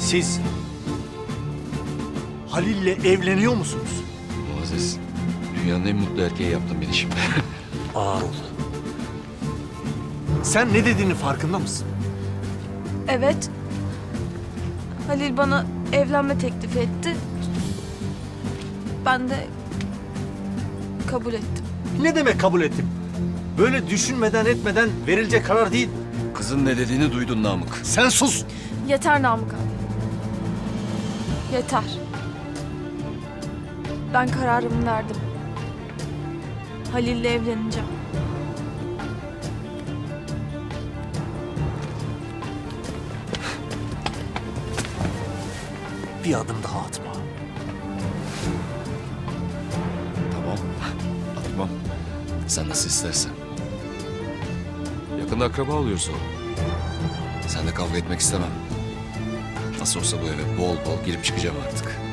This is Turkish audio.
Siz Halil'le evleniyor musunuz? Muazzez, dünyanın en mutlu erkeği yaptın beni şimdi. Ağır ol. Sen ne dediğinin farkında mısın? Evet. Halil bana evlenme teklifi etti. Ben de kabul ettim. Ne demek kabul ettim? Böyle düşünmeden etmeden verilecek karar değil. Kızın ne dediğini duydun Namık. Sen sus. Yeter Namık abi. Yeter. Ben kararımı verdim. Halil'le evleneceğim. Bir adım daha atma. Tamam, atmam. Sen nasıl istersen. Yakında akraba oluyoruz oğlum. Sen de kavga etmek istemem. Nasıl olsa bu eve bol bol girip çıkacağım artık.